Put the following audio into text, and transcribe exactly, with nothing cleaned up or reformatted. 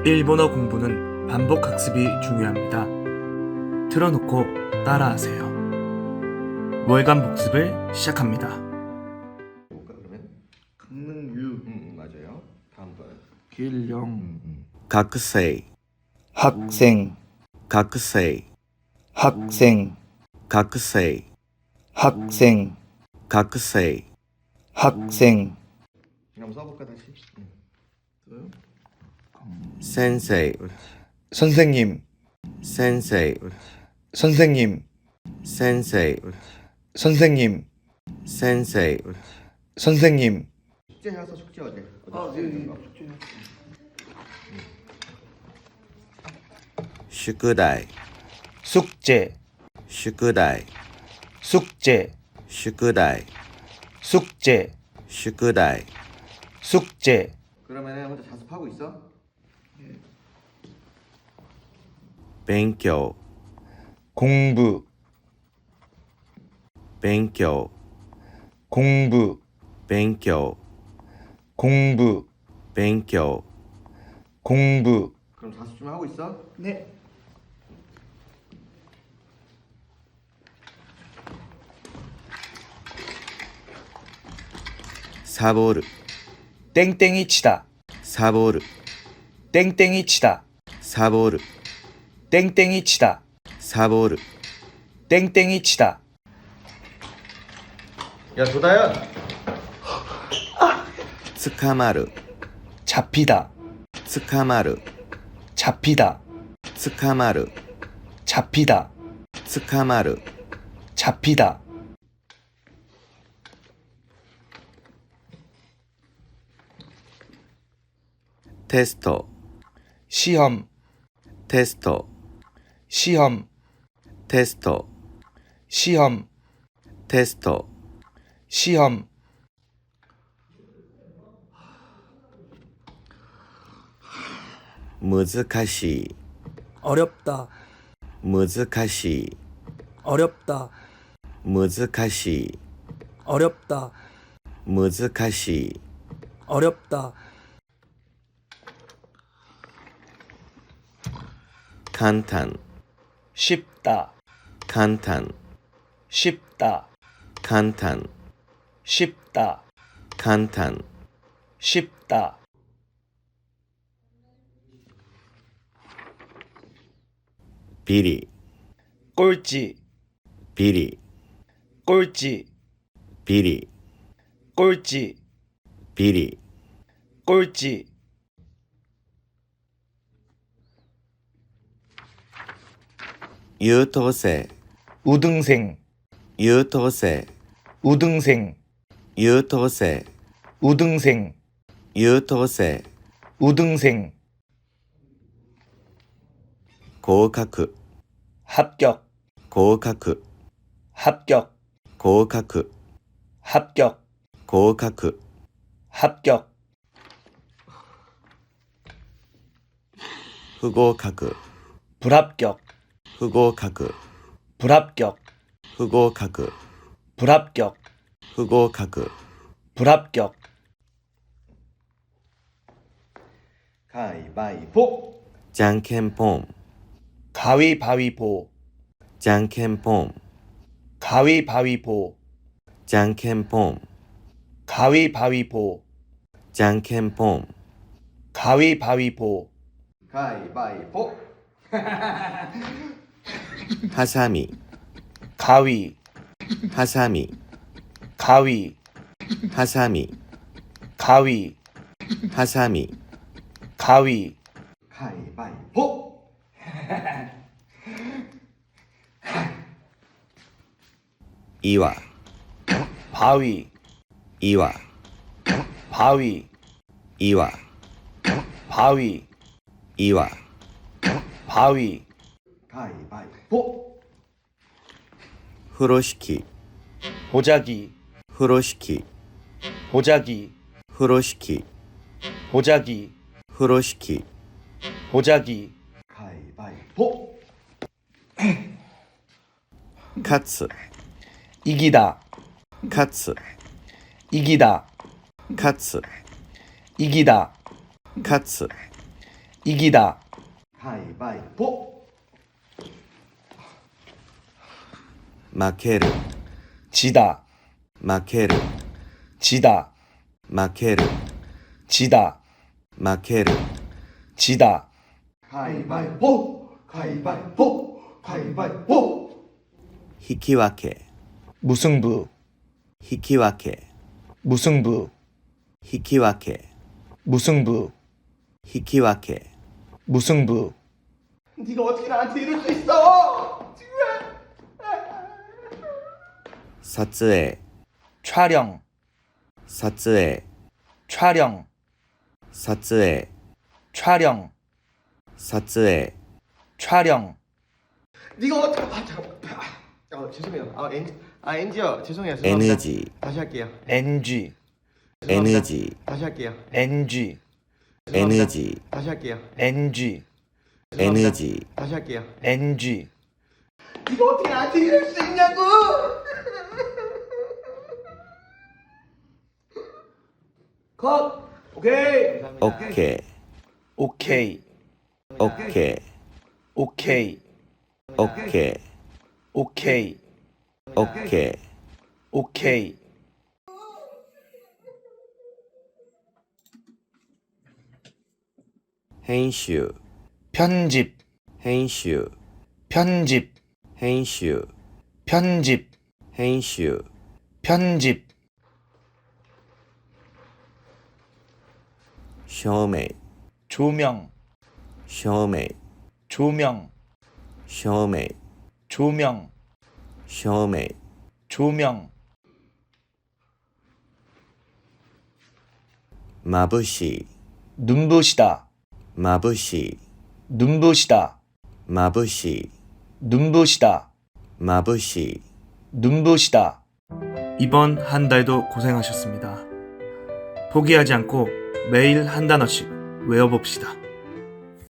일본어 공부는 반복 학습이 중요합니다. 틀어놓고 따라하세요. 월간 복습을 시작합니다. 볼까 그러면? 강릉유 음, 음 맞아요. 다음 거. 길령 음, 음. 학생 학생 학생 학생 학생 학생 학생 학생 한번 써볼까 다시? 음. 센세이 선생님 센세이 선생님 센세이 선생님 센세이 선생님 숙제 해서 숙제 어제. 아, 네, 네, 숙제. 宿題 숙제 宿題 숙제 宿題 숙제 宿題 숙제 그러면은 혼자 자습하고 있어? 勉強 공부 勉強 공부 勉強 공부 勉強 공부 그럼 자습 좀 하고 있어? 네 サボる 땡땡이 치다 サボる 땡땡이 치다 サボる 땡땡이 치다 サボる 땡땡이 치다 야 도다야. 捕まる 잡히다 捕まる 잡히다 捕まる 잡히다 捕まる 잡히다 테스트 시험 테스트 시험 테스트 시험 테스트 시험 難しい 어렵다 難しい 어렵다 難しい 어렵다 難しい 어렵다 簡単 쉽다 簡単 쉽다 簡単 쉽다 簡単 쉽다 비리 꼴찌 비리 꼴찌 비리 꼴찌 비리 꼴찌 優等生 우등생 優等生 우등생 優等生 우등생 優等生 우등생 合格 합격 合格 합격 合格 합격 合格 합격 不合格 불합격 不合格 불합격 不合格 불합격 不合格 불합격 가위바위보. じゃんけんぽん 가위바위보 じゃんけんぽん 가위바위보 じゃんけんぽん 가위바위보 じゃんけんぽん 가위바위보 가위바위보. はさみ 가위 はさみ 가위 はさみ 가위 はさみ 가위 가위바위보. 岩 바위 岩 바위 岩 바위 岩 바위 가위바위보. 風呂敷 보자기 風呂敷 보자기 風呂敷 보자기 風呂敷 보자기 가위바위보. 勝つ 이기다 勝つ 이기다 勝つ 이기다 勝つ 이기다, 가위바위보. 마케르, 지다, 마케르, 지다, 마케르, 지다, 마케르, 지다, 가위바위보. 가위바위보. 가위바위보. 히키와케, 무승부, 히키와케, 무승부, 히키와케, 무승부, 히키와케, 무승부, 네가 어떻게 나한테 이럴 수 있어? 지금. 사츠에, 촬영, 사츠에, 촬영, 사츠에, 촬영, 사츠에, 촬영, 네가 어떻게? 아 잠깐. 아, 어, 죄송해요. 아 엔, 아 엔지요. 죄송해요. 죄송합니다. 에너지, 다시 할게요. 엔지, 죄송합니다. 에너지, 다시 할게요. 엔지, 죄송합니다. 에너지, 다시 할게요. 엔지, 죄송합니다. 에너지, 다시 할게요. 엔지, 네가 어떻게 나한테 이럴 수 있냐고! 컷! 오케이! 오케이, 오케이, 오케이, 오케이, 오케이, 오케이, 오케이, 오케이, 編集, 편집, 編集, 편집, 編集, 편집, 編集, 편집, 照明, 조명, 照明, 조명, 照明, 조명, 照明, 조명, 眩しい, 눈부시다, 眩しい, 눈부시다, 眩しい, 눈부시다, 眩しい, 눈부시다. 이번 한 달도 고생하셨습니다. 포기하지 않고 매일 한 단어씩 외워봅시다.